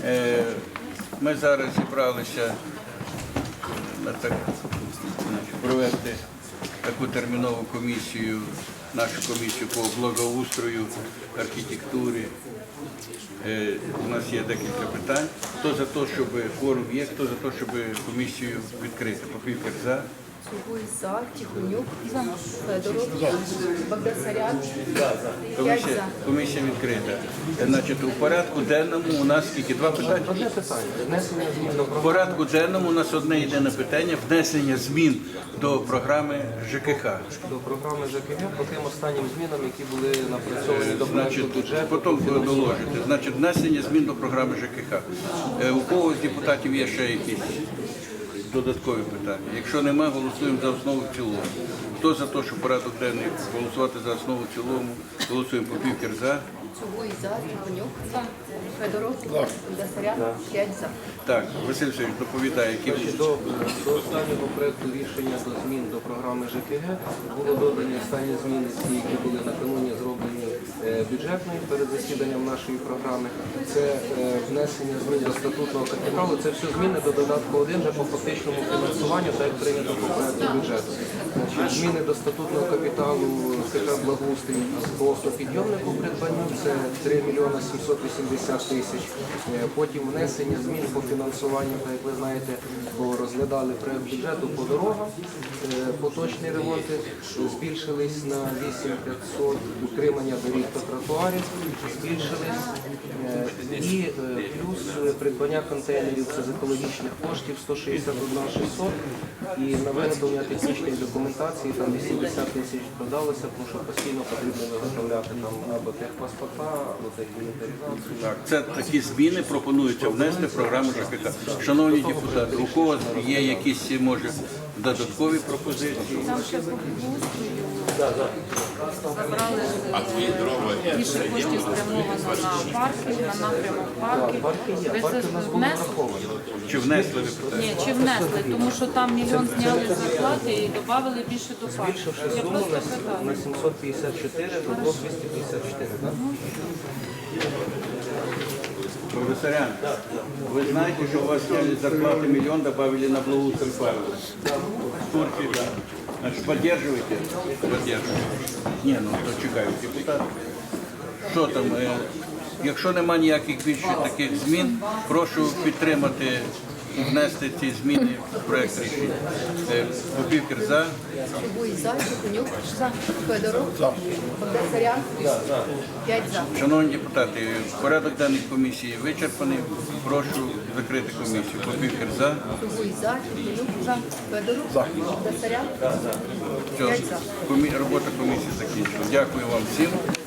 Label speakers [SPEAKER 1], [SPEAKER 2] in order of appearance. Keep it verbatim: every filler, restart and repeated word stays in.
[SPEAKER 1] Е, Ми зараз зібралися на так, значить, провести таку термінову комісію, нашу комісію по благоустрою, архітектурі. Е, У нас є декілька питань. Хто за те, щоб форум є, хто за те, щоб комісію відкрити? Попівкер за.
[SPEAKER 2] Цугуй за, Тихонюк за, Федоров, Багдасарян, п'ять
[SPEAKER 1] Комісія,
[SPEAKER 2] за.
[SPEAKER 1] комісія відкрита. Значить, у порядку денному у нас скільки? Два питання?
[SPEAKER 3] Одне питання. Внесення змін до
[SPEAKER 1] У
[SPEAKER 3] програми.
[SPEAKER 1] порядку денному у нас одне єдине питання – внесення змін до програми ЖКХ.
[SPEAKER 3] До програми ЖКГ по тим останнім змінам, які були напрацьовані до проекту
[SPEAKER 1] Значить,
[SPEAKER 3] бюджету.
[SPEAKER 1] потім доложити. Значить, внесення змін до програми ЖКХ. Е, У кого з депутатів є ще якісь додаткові питання? Якщо немає, голосуємо за основу в цілому. Хто за те, що порядок денний голосувати за основу в цілому? Голосуємо. Попівкер за.
[SPEAKER 2] Цугуй за, Тихонюк за, Федоров, Багдасарян, п'ять за.
[SPEAKER 1] Так, Василь Васильович доповідає, які
[SPEAKER 3] Значить, До, до останнього проекту рішення до змін до програми ЖКГ було додані останні зміни, ті, які були накануні зроблені е, бюджетною перед засіданням нашої програми. Це е, внесення змін до статутного капіталу. Це все зміни до додатку один вже по фактичному фінансуванню, так як прийнято по проекту бюджету. Значить, зміни до статутного капіталу КК «Благоустрій» по автопідйомнику придбанню – це три мільйони сімсот вісімдесят тисяч. Е, Потім внесення змін по фінансуванню, так як ви знаєте, бо розглядали проект бюджету по дорогам. Е, Поточні ремонти збільшились на вісім тисяч п'ятсот, утримання доріг та тротуарів збільшились. Е, І е, плюс придбання контейнерів це з екологічних коштів сто шістдесят один тисяча шістсот. І на виготовлення технічної документації там вісімдесят тисяч додалося, тому що постійно потрібно виготовляти там або техпаспорта, або техінвентаризацію.
[SPEAKER 1] Так, це такі зміни пропонуються внести в програму ЖКХ. Шановні депутати, у кого є якісь, може, додаткові пропозиції?
[SPEAKER 4] Там ще по благоустрою забрали більше коштів спрямовано на паркінг, на напрямок парків.
[SPEAKER 3] Парки є,
[SPEAKER 4] Ви
[SPEAKER 3] парки
[SPEAKER 4] це
[SPEAKER 3] у нас були
[SPEAKER 4] внесли?
[SPEAKER 3] враховані.
[SPEAKER 1] Чи внесли ви питання?
[SPEAKER 4] Ні, чи внесли, тому що там мільйон зняли з зарплати і додали більше до парків.
[SPEAKER 3] Збільшивши
[SPEAKER 4] Я
[SPEAKER 3] суму
[SPEAKER 4] просто
[SPEAKER 3] на,
[SPEAKER 4] питаю.
[SPEAKER 3] на сімсот п'ятдесят чотири до двох двісті п'ятдесят чотири. Так?
[SPEAKER 1] Професорян, вы знаете, что у вас сняли зарплаты миллион, добавили на благоустрой Павла? В Турции, да. Значит, поддерживаете? Поддерживаете. Не, ну то чекають депутати. Що там? Е, якщо немає ніяких більше таких змін, прошу підтримати і внести ці зміни в проект рішення. Е, Попівкер за.
[SPEAKER 2] Цугуй за, Тихонюк за, Федоров, Багдасарян, п'ять за.
[SPEAKER 1] Шановні депутати, порядок денний комісії вичерпаний. Прошу закрити комісію. Попівкер за.
[SPEAKER 2] Цугуй за, Тихонюк за, Федоров, Багдасарян,
[SPEAKER 1] Все,
[SPEAKER 2] п'ять за.
[SPEAKER 1] комі- робота комісії закінчена. Дякую вам всім.